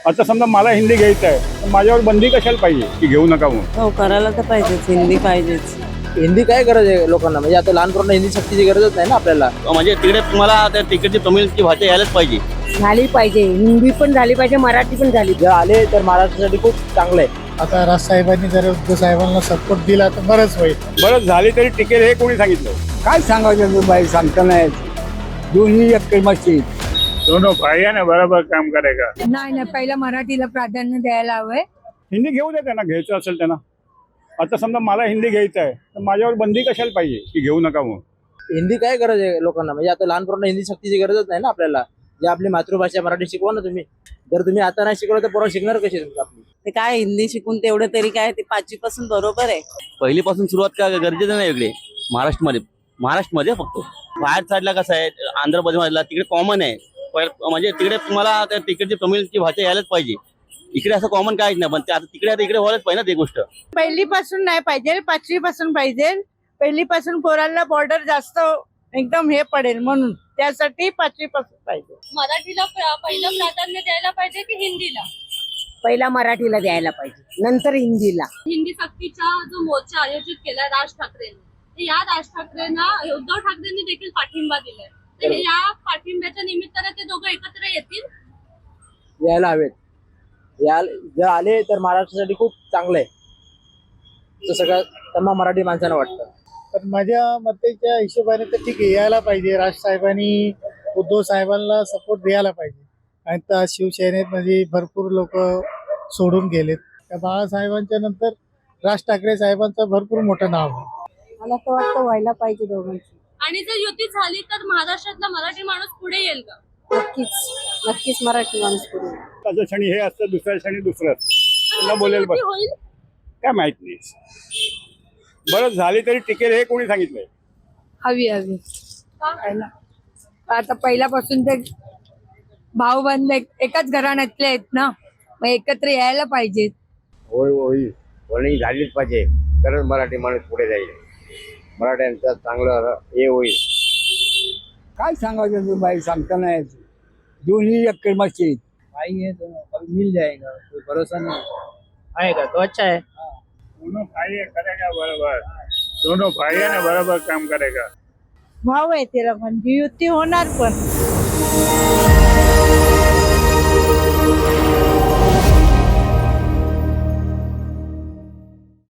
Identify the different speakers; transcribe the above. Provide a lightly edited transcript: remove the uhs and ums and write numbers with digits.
Speaker 1: आता समजा मला हिंदी घ्यायचं आहे तर माझ्यावर बंदी कशाला पाहिजे की घेऊ नका म्हणून?
Speaker 2: हो करायला तर पाहिजेच, हिंदी पाहिजेच.
Speaker 3: हिंदी काय गरज आहे लोकांना? म्हणजे आता लहान पोरांना हिंदी सक्तीची गरजच नाही ना आपल्याला.
Speaker 4: म्हणजे तिकडे तुम्हाला त्या तिकडची तमिळची भाषा यायलाच पाहिजे.
Speaker 5: झाली पाहिजे, हिंदी पण झाली पाहिजे, मराठी पण झाली.
Speaker 3: जर आले तर महाराष्ट्रासाठी खूप चांगलं आहे.
Speaker 6: आता राजसाहेबांनी जर उद्धव साहेबांना सपोर्ट दिला तर बरंच होईल.
Speaker 1: बरं झाली तरी टिकेल हे कोणी सांगितलं?
Speaker 7: काय सांगायचं बाई, सांगता नाही. दोन्ही एकमाची
Speaker 1: दोनों भाई ना बरोबर काम करेगा.
Speaker 5: नाही पहिला मराठीला प्राधान्य द्यायला हवंय.
Speaker 1: हिंदी घेऊ दे त्यांना, घ्यायचं असेल त्यांना. आता समजा मला हिंदी घ्यायचं आहे तर माझ्यावर बंदी कशाला पाहिजे की घेऊ नका म्हणून?
Speaker 3: हिंदी काय गरज आहे लोकांना? म्हणजे आता लहान पोरांना हिंदी सक्तीची गरजच नाही ना आपल्याला. जे आपली मातृभाषा मराठी शिकवा ना तुम्ही. जर तुम्ही आता नाही शिकवलं तर पोरं शिकणार कशी आपली?
Speaker 2: ते काय हिंदी शिकून तेवढं तरी काय, ते 5वी पासून बरोबर आहे.
Speaker 4: पहिलीपासून सुरुवात का गरजेचं नाही इकडे महाराष्ट्रामध्ये फक्त. बाहेर साईडला कसं आहे, आंध्र प्रदेशला तिकडे कॉमन आहे. म्हणजे तिकडे तुम्हाला त्या तिकडची तमिळची भाषा यायलाच पाहिजे. इकडे असं कॉमन काहीच नाही, पण ते आता तिकडे व्हायलाच पाहिजे ना ते गोष्ट.
Speaker 5: पहिली पासून नाही पाहिजे, 5वी पासून पाहिजे. पहिली पासून पोरांना बॉर्डर जास्त एकदम हे पडेल, म्हणून त्यासाठी 5वी पासून पाहिजे.
Speaker 8: मराठीला पहिलं प्राधान्य द्यायला पाहिजे की हिंदीला?
Speaker 5: पहिला मराठीला द्यायला पाहिजे, नंतर हिंदीला.
Speaker 8: हिंदी सक्तीचा जो मोर्चा आयोजित केलाय राज ठाकरेंनी, तर या राज ठाकरेंना उद्धव ठाकरेंनी देखील पाठिंबा दिलाय. तर या पाठिंब्याच्या निमित्ताने ते दोघं एकत्र येतील.
Speaker 3: यायला हवेत. जर आले तर महाराष्ट्रासाठी खूप चांगलं आहे, असं सगळं तमाम मराठी माणसांना वाटतं.
Speaker 6: पण माझ्या मतेच्या हिशोबाने तर ठीक आहे, यायला पाहिजे. राजसाहेबांनी उद्धव साहेबांना सपोर्ट द्यायला पाहिजे. आणि त्या शिवसेनेमध्ये भरपूर लोक सोडून गेलेत. त्या बाळासाहेबांच्या नंतर राज ठाकरे साहेबांचं भरपूर मोठं नाव आहे.
Speaker 5: मला तर वाटतं व्हायला पाहिजे दोघांची.
Speaker 8: आणि जर युती झाली तर महाराष्ट्रातला मराठी माणूस पुढे येईल का?
Speaker 5: नक्कीच मराठी माणूस पुढे.
Speaker 1: त्याच्या क्षणी हे असतं, दुसऱ्या क्षणी दुसरं असतं. त्यांना बोलेल
Speaker 8: युती
Speaker 1: बरं
Speaker 8: होईल
Speaker 1: काय माहित नाही. बरं झाली तरी टिकेल हे कोणी सांगितलंय?
Speaker 5: हवी आता पहिल्यापासून ते भाऊ बंद एकाच घराण्यातले आहेत ना, मग एकत्र यायला पाहिजेत.
Speaker 9: होईल झालीच पाहिजे, तरच मराठी माणूस पुढे जाईल. मराठ्यांचं चांगलं हे होईल.
Speaker 7: काय सांगायचं बाई, सांगता नाही. दोन्ही एकमाची
Speaker 3: आई है तो मिल जाएगा, कोई भरोसा नहीं आएगा तो अच्छा है.
Speaker 1: दोनों भाई करेगा बरोबर. दोनों भाई ना बरोबर काम करेगा.
Speaker 5: भाऊ आहे त्याला, म्हणजे युती होणार पण.